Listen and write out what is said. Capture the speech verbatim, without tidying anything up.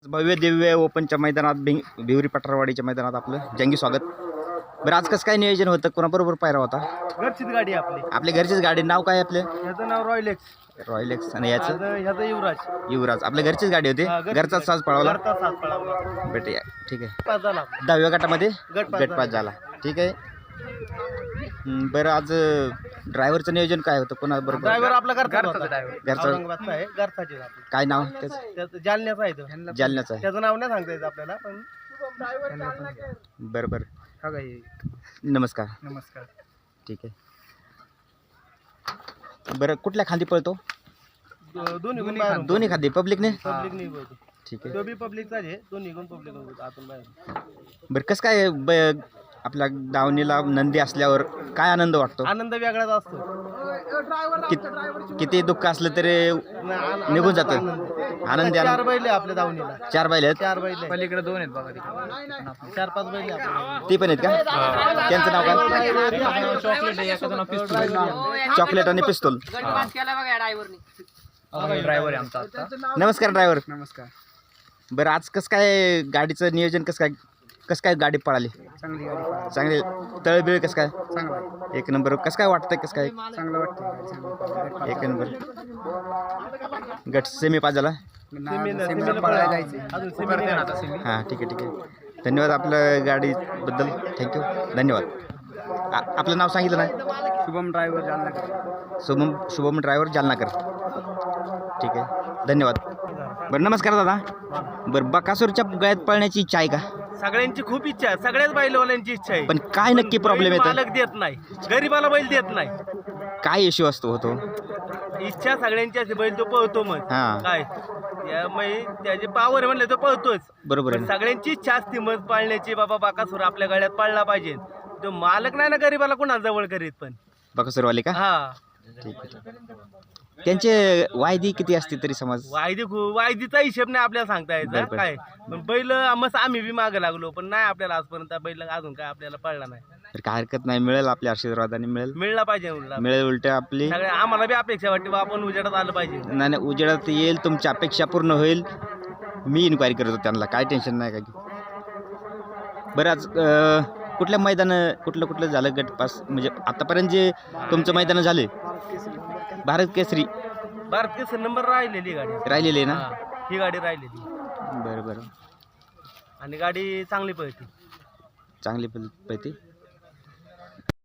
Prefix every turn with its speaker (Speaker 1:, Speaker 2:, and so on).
Speaker 1: भव्य दिव्य ओपनच्या मैदानात भिंग भिवरी पठारवाडीच्या मैदानात आपलं जंगी स्वागत. बरं आज कसं काय नियोजन होतं, कोणाबरोबर पायरा होता?
Speaker 2: घरचीच गाडी आपली.
Speaker 1: आपल्या घरचीच गाडी. नाव काय आपलं?
Speaker 2: याचं नाव रॉयल एक्स.
Speaker 1: Royal X. आणि याचं
Speaker 2: ह्याचं युवराज.
Speaker 1: युवराज. आपल्या घरचीच गाडी होती, घरचाच साज पळवला.
Speaker 2: घरचा साथ पळावला.
Speaker 1: बेटे ठीक आहे.
Speaker 2: पाच झाला.
Speaker 1: दहाव्या गटामध्ये
Speaker 2: गट पास
Speaker 1: गटपास झाला. ठीक आहे. हं, बरं आज ड्रायव्हरचं नियोजन काय होतं, कोणाबरोबर?
Speaker 2: ड्रायव्हर आपला घरचा
Speaker 1: घरचा
Speaker 2: औरंगाबादचा आहे. घरचाच आहे आपला.
Speaker 1: काय नाव त्याचं?
Speaker 2: त्याचं जालन्याचा आहे तो.
Speaker 1: जालन्याचं आहे.
Speaker 2: त्याचं नाव नाही सांगता येत आपल्याला, पण
Speaker 1: बरं बरं. नमस्कार.
Speaker 2: नमस्कार.
Speaker 1: ठीक आहे. बरं कुठल्या खांदी पळतो?
Speaker 2: दोन्ही गुण बाहेर.
Speaker 1: दोन्ही खांदी पब्लिकने.
Speaker 2: पब्लिक नाही बोलतो.
Speaker 1: ठीक आहे.
Speaker 2: तो बी पब्लिकचाच आहे. दोन्ही गुण पब्लिक होतो आतून बाहेर.
Speaker 1: बरं कसं काय ब आपल्या दावणीला नंदी असल्यावर काय आनंद वाटतो?
Speaker 2: आनंद वेगळाच असतो.
Speaker 1: कित- किती दुःख असलं तरी निघून जातं. आनंदी
Speaker 2: चार
Speaker 1: आनंद.
Speaker 2: बैल आहे आपल्या दावणीला.
Speaker 1: चार बैल आहेत.
Speaker 2: चार बैल आहे. पलीकडे दोन आहेत बघा तिकडे. चार पाच बैल आहे आपल्या.
Speaker 1: ती पण आहेत का? त्यांचं नाव काय?
Speaker 2: चॉकलेट आहे. एखादं नाव पिस्तूल.
Speaker 1: चॉकलेट आणि पिस्तूल.
Speaker 2: ड्रायव्हर आहे आमचा आता.
Speaker 1: नमस्कार ड्रायव्हर.
Speaker 2: नमस्कार.
Speaker 1: बरं आज कसं काय गाडीचं नियोजन, कसं काय कसं काय गाडी पळाली?
Speaker 2: चांगली गाडी.
Speaker 1: चांगले तळबिळ कसं काय?
Speaker 2: चांगला.
Speaker 1: एक नंबर. कसं काय वाटतंय, कसं काय?
Speaker 2: चांगलं वाटतं.
Speaker 1: एक नंबर. गट सेमी पाच झाला. हां ठीक आहे ठीक आहे. धन्यवाद आपल्या गाडीबद्दल. थँक्यू. धन्यवाद. आ आपलं नाव सांगितलं नाही?
Speaker 2: शुभम ड्रायव्हर जालनाकर.
Speaker 1: शुभम शुभम ड्रायव्हर जालनाकर. ठीक आहे. धन्यवाद. बरं नमस्कार दादा. बरं बकासूरच्या गळ्यात पळण्याची इच्छा आहे का?
Speaker 2: सगळ्यांची खूप इच्छा आहे. सगळ्याच बैलवाल्यांची इच्छा आहे.
Speaker 1: पण काय नक्की प्रॉब्लेम
Speaker 2: बैल
Speaker 1: येतो?
Speaker 2: मालक देत नाही, गरीबाला बैल देत नाही.
Speaker 1: काय इश्यू असतो होतो?
Speaker 2: इच्छा सगळ्यांची असते. बैल तो पळतो मग
Speaker 1: हां.
Speaker 2: काय त्यामुळे त्याचे पावर म्हणले तो पळतोच.
Speaker 1: बरोबर आहे
Speaker 2: पण
Speaker 1: ना?
Speaker 2: सगळ्यांची इच्छा असते मग पाळण्याची. बाबा बाकासूर आपल्या गळ्यात पाळला पाहिजे. तो मालक नाही ना गरीबाला कोणाला जवळ करीत. पण
Speaker 1: बकासूरवाले का?
Speaker 2: हा
Speaker 1: ठीक आहे. त्यांचे वायदी किती असते तरी समज?
Speaker 2: वायदी खू- वायदीचा हिशेब नाही आपल्याला सांगता यायचा
Speaker 1: बरोबर.
Speaker 2: काय. पण बैल मस्त आम्ही बी मागे लागलो, पण नाही आपल्याला आजपर्यंत बैल अजून काय आपल्याला पळला नाही.
Speaker 1: तर काय हरकत नाही, मिळेल आपल्या आशीर्वादाने. मिळेल
Speaker 2: मिळला पाहिजे उलटा.
Speaker 1: मिळेल उलट आपली.
Speaker 2: सगळ्या आम्हाला बी अपेक्षा वाटते बा आपण उजेडात आलं पाहिजे.
Speaker 1: नाही नाही, उजेडात येईल, तुमची अपेक्षा पूर्ण होईल. मी इन्क्वायरी करतो त्यांना, काय टेन्शन नाही काय. बरं आज अं, कुठल्या मैदान कुठलं कुठलं झालं गटपास, म्हणजे आतापर्यंत जे तुमचं मैदान झाले? भारत केसरी
Speaker 2: भारत केसरी नंबर राहिलेली गाडी
Speaker 1: राहिलेली आहे ना?
Speaker 2: हा, ही गाडी राहिलेली.
Speaker 1: बरं बरं.
Speaker 2: आणि गाडी चांगली पळते.
Speaker 1: चांगली पळते.